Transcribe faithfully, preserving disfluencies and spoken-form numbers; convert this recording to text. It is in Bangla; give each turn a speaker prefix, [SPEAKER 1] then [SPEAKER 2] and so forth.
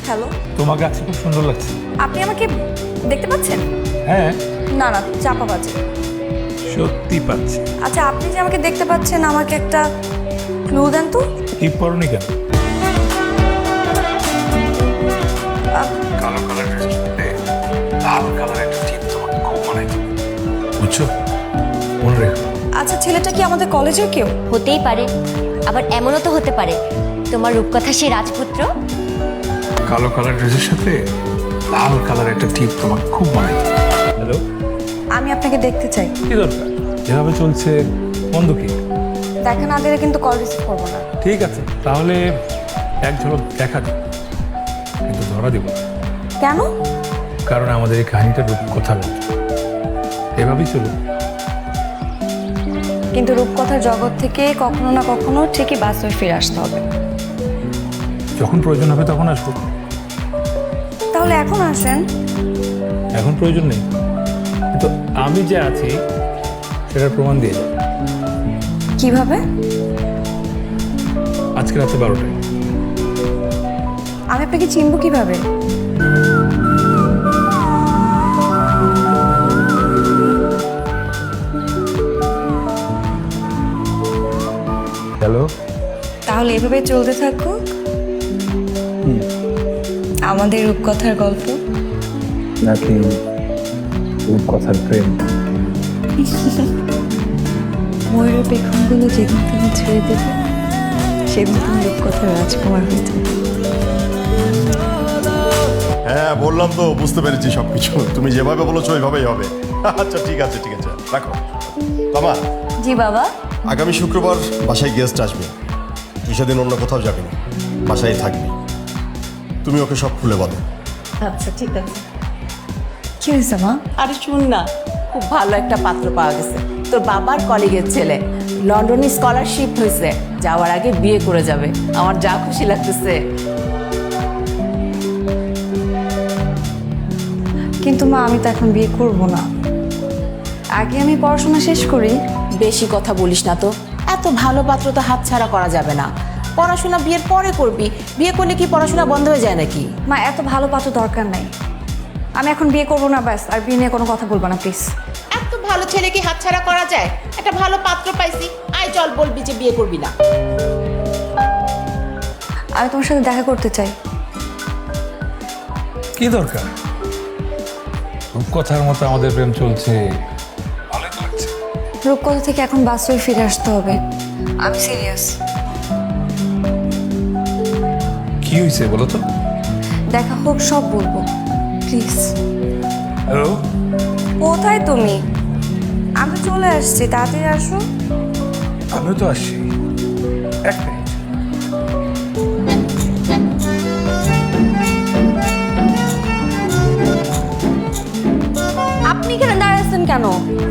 [SPEAKER 1] হ্যালো,
[SPEAKER 2] তোমাকে আজকে খুব সুন্দর লাগছে।
[SPEAKER 1] আপনি আমাকে দেখতে পাচ্ছেন?
[SPEAKER 2] হ্যাঁ,
[SPEAKER 1] না না, চাপা বাজে।
[SPEAKER 2] সত্যি পাচ্ছি।
[SPEAKER 1] আচ্ছা, আপনি যে আমাকে দেখতে পাচ্ছেন, আমাকে একটা ক্লু দেন তো।
[SPEAKER 2] টিপ পরনি কেন?
[SPEAKER 1] আহ,
[SPEAKER 2] কালো কালার ড্রেসের সাথে লাল কালার একটা টিপ তোমাকে খুব মানায়, বুঝছো? মনে রেখো।
[SPEAKER 1] আচ্ছা, ছেলেটা কি আমাদের কলেজের কেউ?
[SPEAKER 3] হতেই পারে, আবার এমনও তো হতে পারে তোমার রূপকথা সেই রাজপুত্র।
[SPEAKER 2] কালো কালার ড্রেসের সাথে লাল কালার একটা টিপ তোমাকে খুব মানায়। হ্যালো,
[SPEAKER 1] আমি আপনাকে দেখতে চাই।
[SPEAKER 2] কি দরকার? যেভাবে চলছে বন্ধ কি?
[SPEAKER 1] দেখা না দিলে কিন্তু কল রিসিভ করবো না।
[SPEAKER 2] ঠিক আছে, তাহলে এক ঝলক দেখা দিই, কিন্তু ধরা দিব না।
[SPEAKER 1] কেন?
[SPEAKER 2] কারণ আমাদের এই কাহিনীটা রূপকথার মতো, এভাবেই চলুন।
[SPEAKER 1] কিন্তু রূপকথার জগৎ থেকে কখনো না কখনো ঠিকই বাস্তবে ফিরে আসতে হবে।
[SPEAKER 2] যখন প্রয়োজন হবে তখন আসবো।
[SPEAKER 1] তাহলে এখন আসেন।
[SPEAKER 2] এখন প্রয়োজন নেই, কিন্তু আমি যে আছি সেটার প্রমাণ দিয়ে যাও।
[SPEAKER 1] কিভাবে?
[SPEAKER 2] আজকে রাতে বারোটায়।
[SPEAKER 1] আমি আপনাকে চিনব কিভাবে?
[SPEAKER 2] হ্যালো,
[SPEAKER 1] তাহলে এভাবে চলতে থাকুক আমাদের রূপকথার গল্প।
[SPEAKER 2] নাকি রূপকথার প্রেম?
[SPEAKER 1] ময়ূরের পেখমগুলো যেদিন তুমি ছেড়ে দেবে, সেদিন তুমি রূপকথার রাজকুমার হয়ে যাবে।
[SPEAKER 4] হ্যাঁ বললাম তো, বুঝতে পেরেছি সব কিছু। তুমি যেভাবে বলেছো ওইভাবেই হবে। আচ্ছা ঠিক আছে ঠিক আছে, রাখো। বাবা,
[SPEAKER 1] জি বাবা।
[SPEAKER 4] আগামী শুক্রবার বাসায় গেস্ট আসবে, তুই সেদিন অন্য কোথাও যাবি না, বাসায় থাকবি। তুমি ওকে সব খুলে বলো।
[SPEAKER 5] আচ্ছা ঠিক আছে।
[SPEAKER 1] কি হয়েছে মা?
[SPEAKER 5] আরে শুন না, খুব ভালো একটা পাত্র পাওয়া গেছে। তোর বাবার কলিগের ছেলে, লন্ডনে স্কলারশিপ হয়েছে, যাওয়ার আগে বিয়ে করে যাবে। আমার যা খুশি লাগতেছে।
[SPEAKER 1] কিন্তু মা, আমি তো এখন বিয়ে করব না, আগে আমি পড়াশোনা শেষ করি।
[SPEAKER 5] বেশি কথা বলিস না তো, এত ভালো পাত্র তো হাতছাড়া করা যাবে না। পড়াশোনা বিয়ের পরে করবি, বিয়ে করলে কি পড়াশোনা বন্ধ হয়ে যায় নাকি?
[SPEAKER 1] মা, এত ভালো পাত্র দরকার নাই, আমি এখন বিয়ে করব না, ব্যাস। আর বিয়ে নিয়ে কোনো কথা বলবো না প্লিজ।
[SPEAKER 5] এত ভালো ছেলে কি হাতছাড়া করা যায়? একটা ভালো পাত্র পাইছি, আয় চল, বলবি যে বিয়ে করবি না।
[SPEAKER 1] আমি তোমার সাথে দেখা করতে চাই।
[SPEAKER 2] কি দরকার? রূপকথার মতো আমাদের প্রেম চলছে, ভালো তো লাগছে।
[SPEAKER 1] রূপকথা থেকে এখন বাস্তবে ফিরে আসতে হবে, আমি সিরিয়াস।
[SPEAKER 2] কি হয়েছে বলো তো?
[SPEAKER 1] দেখা হোক, সব বলবো, প্লিজ।
[SPEAKER 2] হ্যালো,
[SPEAKER 1] কোথায় তুমি? আমি তো চলে আসছি, তাড়াতাড়ি আসো।
[SPEAKER 2] আমিও তো আসছি, এক মিনিট।
[SPEAKER 1] আপনি এখানে দাঁড়াচ্ছেন কেন?